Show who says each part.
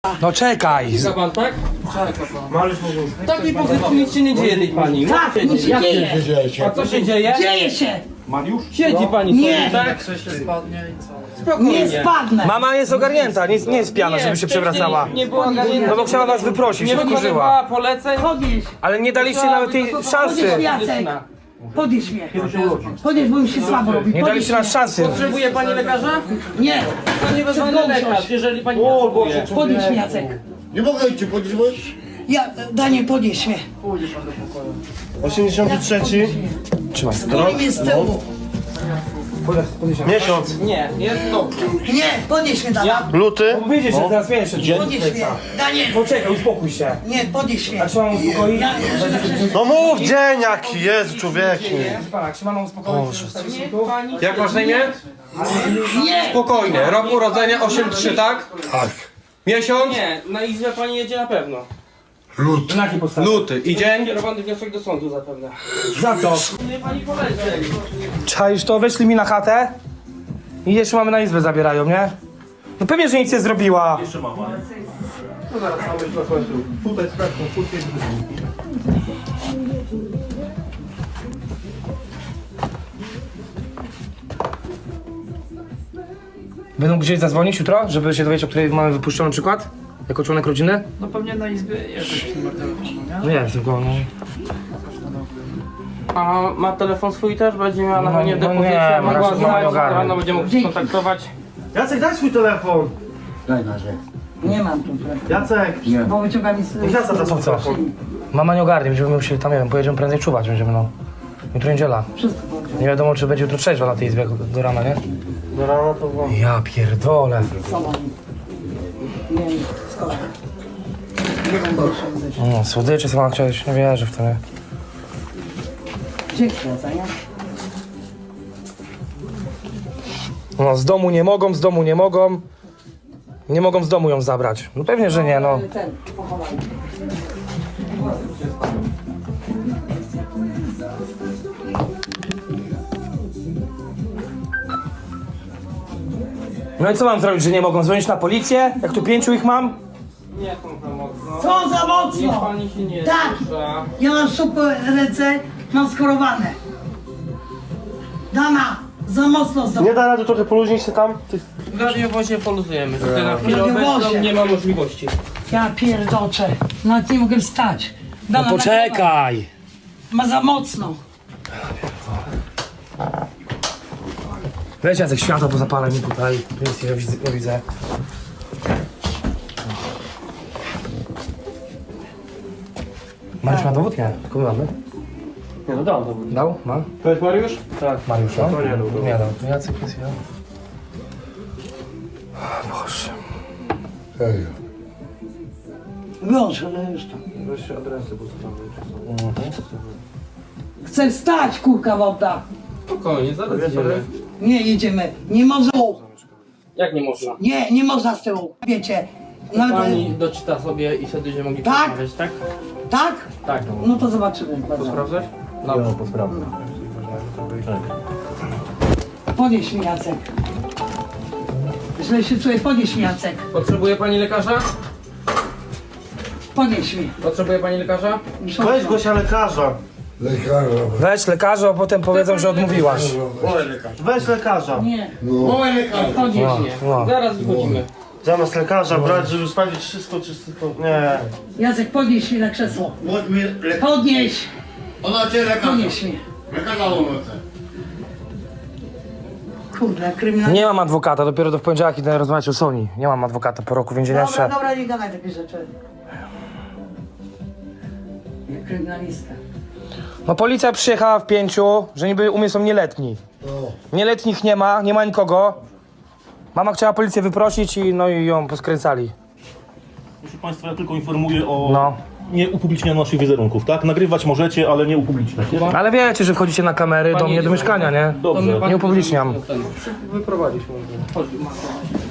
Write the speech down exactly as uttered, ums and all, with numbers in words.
Speaker 1: No czekaj.
Speaker 2: Czeka pan, tak?
Speaker 3: Mariusz mógł.
Speaker 2: W takiej pozycji nic się nie dzieje tej pani.
Speaker 4: Tak,
Speaker 2: Co się
Speaker 4: nic się
Speaker 2: dzieje?
Speaker 4: dzieje.
Speaker 2: A co się dzieje?
Speaker 4: Dzieje się!
Speaker 3: Mariusz?
Speaker 2: Siedzi pani
Speaker 4: Nie.
Speaker 2: sobie, tak? Spokojnie.
Speaker 4: Nie spadnę!
Speaker 1: Mama jest ogarnięta, nie, nie jest pijana, żeby się
Speaker 2: wcześniej
Speaker 1: przewracała.
Speaker 2: Nie była ogarnięta.
Speaker 1: No bo chciała was wyprosić,
Speaker 2: Nie
Speaker 1: się wkurzyła.
Speaker 2: wykonywała poleceń.
Speaker 4: Podnieś!
Speaker 1: Ale nie daliście nawet tej szansy.
Speaker 4: Podnieś Jacek! Podnieś mnie! Podnieś, bo mi się słabo robi.
Speaker 1: Nie daliście
Speaker 4: Podnieś
Speaker 1: nas szansy.
Speaker 2: Potrzebuje pani lekarza?
Speaker 4: mnie. Nie!
Speaker 2: To nie wezwanie lekarz, jeżeli pani potrzebuje.
Speaker 4: Podnieś mnie, Jacek!
Speaker 5: Nie mogę cię podnieść, bo...
Speaker 4: Ja, Daniel, podnieś mnie.
Speaker 3: osiemdziesiąty trzeci.
Speaker 1: Trzymaj.
Speaker 4: Boli mnie z tyłu.
Speaker 3: Miesiąc.
Speaker 2: Nie, jest dobrze.
Speaker 4: Nie, podnieś mnie, Daniel.
Speaker 3: Luty.
Speaker 1: Powiedzieć, że teraz wiesz, że
Speaker 4: Podnieś mnie. Daniel!
Speaker 1: Poczekaj, uspokój się.
Speaker 4: Nie, podnieś mnie.
Speaker 1: A czy mam uspokoić?
Speaker 4: Ja,
Speaker 3: No mów dzień jaki jest, człowieku.
Speaker 1: Proszę pana, czy mam uspokoić?
Speaker 2: Jak masz na imię?
Speaker 4: nie!
Speaker 2: Spokojnie. Rok urodzenia osiem trzy, tak?
Speaker 5: Tak.
Speaker 2: Miesiąc? Nie, na izbę pani jedzie na pewno.
Speaker 5: Lud.
Speaker 1: Na jakiej podstawie?
Speaker 2: Luty. I dzień? Kierowany wniosek do sądu zapewne.
Speaker 1: Za co?
Speaker 2: Nie pani poleceń.
Speaker 1: Czaisz to? Weszli mi na chatę i jeszcze mamy na izbę zabierają, nie? No pewnie, że nic nie zrobiła.
Speaker 2: No zaraz mamy na końcu. Tutaj sprawdzą, tutaj
Speaker 1: Będą gdzieś zadzwonić jutro, żeby się dowiedzieć, o której mamy wypuszczony przykład? Jako członek rodziny?
Speaker 6: No pewnie na izbie jest jakiś numer telefonu, nie?
Speaker 1: No jest, tylko no.
Speaker 2: A ma telefon swój też? Będzie miała na
Speaker 1: No,
Speaker 2: pewno
Speaker 1: no
Speaker 2: depozycję,
Speaker 1: nie,
Speaker 2: mogła
Speaker 1: raczej
Speaker 2: znać,
Speaker 1: nie ogarnę.
Speaker 2: rano będzie mógł się kontaktować.
Speaker 3: Jacek, daj swój telefon.
Speaker 5: Daj na rzecz.
Speaker 4: Nie mam tu.
Speaker 3: Jacek.
Speaker 4: Bo wyciąga mi z...
Speaker 3: Jacek, da swój
Speaker 1: co?
Speaker 3: telefon.
Speaker 1: Mama nie ogarnie, będziemy musieli tam, nie wiem, pojedziemy prędzej czuwać, będziemy no. Jutro niedziela.
Speaker 4: Wszystko dobrze.
Speaker 1: Nie wiadomo, czy będzie jutro trzeźwa na tej izbie do rana, nie?
Speaker 3: Do rana to było.
Speaker 1: Ja pierdolę.
Speaker 4: Sobą. Nie wiem, skoro. Nie będę jeszcze
Speaker 1: No, słodycze sama chciałeś, nie wierzę w to, nie?
Speaker 4: Dziękuję za nie?
Speaker 1: No, z domu nie mogą, z domu nie mogą. Nie mogą z domu ją zabrać. No pewnie, że nie, no.
Speaker 4: Ten, pochowaj.
Speaker 1: No i co mam zrobić, że nie mogą dzwonić na policję? Jak tu pięciu ich mam?
Speaker 2: Nie tą za mocno.
Speaker 4: Co za
Speaker 2: Niech
Speaker 4: mocno!
Speaker 2: pani się nie
Speaker 4: Tak.
Speaker 2: rusza.
Speaker 4: Ja mam super ręce, mam skorowane. Dana, za mocno za...
Speaker 3: Nie da rady trochę poluźnić się tam? Ty...
Speaker 2: W radiowozie poluzujemy. Tutaj na chwilę
Speaker 4: radiowozie.
Speaker 2: obecną nie ma możliwości.
Speaker 4: Ja pierdoczę, nawet nie mogę wstać. Dana,
Speaker 1: Poczekaj!
Speaker 4: ma za mocno.
Speaker 1: Weź Jacek, światło pozapalaj mi tutaj. Nic nie widzę. Nie widzę. Mariusz ma dowód? Nie. Tylko my mamy.
Speaker 2: Nie no dam dowód.
Speaker 1: Dał? Ma?
Speaker 2: To jest Mariusz?
Speaker 1: Tak. Mariusz, no?
Speaker 3: To nie dał dowodu.
Speaker 1: Nie dał. To Jacek jest ja. Boże.
Speaker 5: Ej.
Speaker 4: Wyłącz, ale już tam.
Speaker 3: Weź adresy postawię.
Speaker 4: Chcę wstać, kurka woda.
Speaker 2: Spokojnie, zaraz
Speaker 3: Wiesz,
Speaker 2: idziemy.
Speaker 4: Nie, jedziemy. Nie można.
Speaker 2: Jak nie można?
Speaker 4: Nie, nie można z tyłu. Wiecie. Nawet...
Speaker 2: Pani doczyta sobie i wtedy będziemy mogli
Speaker 4: Tak?
Speaker 2: porozmawiać, tak?
Speaker 4: Tak?
Speaker 2: Tak.
Speaker 4: No to zobaczymy.
Speaker 2: To sprawdzać?
Speaker 3: Dobrze, posprawdzę.
Speaker 4: Podnieś mi, Jacek. Źle się czuję, podnieś mi, Jacek.
Speaker 2: Potrzebuje pani lekarza?
Speaker 4: Podnieś mi.
Speaker 2: Potrzebuje pani lekarza?
Speaker 3: Weź Gosia lekarza.
Speaker 5: Lekarza.
Speaker 1: Weź lekarza, a potem powiedzą, że odmówiłaś.
Speaker 3: Weź lekarza.
Speaker 4: Nie.
Speaker 5: No.
Speaker 4: Podnieś
Speaker 1: No,
Speaker 4: mnie.
Speaker 1: no.
Speaker 2: Zaraz wychodzimy.
Speaker 3: Zamiast lekarza brać, żeby sprawdzić wszystko, czy wszystko... Nie.
Speaker 4: Jacek, podnieś mnie na krzesło.
Speaker 5: Bądź mi lekarz.
Speaker 4: Podnieś.
Speaker 5: Ona cię lekarza.
Speaker 4: Podnieś mnie.
Speaker 5: Lekarza ona chce.
Speaker 4: Kurde, kryminalista.
Speaker 1: Nie mam adwokata, dopiero do w poniedziałek idę rozmawiać o Sony. Nie mam adwokata po roku więzienia
Speaker 4: Dobra,
Speaker 1: jeszcze.
Speaker 4: dobra, nie gadaj takie rzeczy. Ja kryminalista.
Speaker 1: No policja przyjechała w pięciu, że niby u mnie są nieletni. Nieletnich nie ma, nie ma nikogo. Mama chciała policję wyprosić i no i ją poskręcali.
Speaker 7: Proszę Państwa, ja tylko informuję o
Speaker 1: No.
Speaker 7: nie upublicznianiu naszych wizerunków, tak? Nagrywać możecie, ale nie upubliczniać.
Speaker 1: Ale wiecie, że wchodzicie na kamery do mnie do mieszkania, nie?
Speaker 7: Dobrze.
Speaker 1: Nie upubliczniam.
Speaker 2: Wyprowadzić może. Chodź,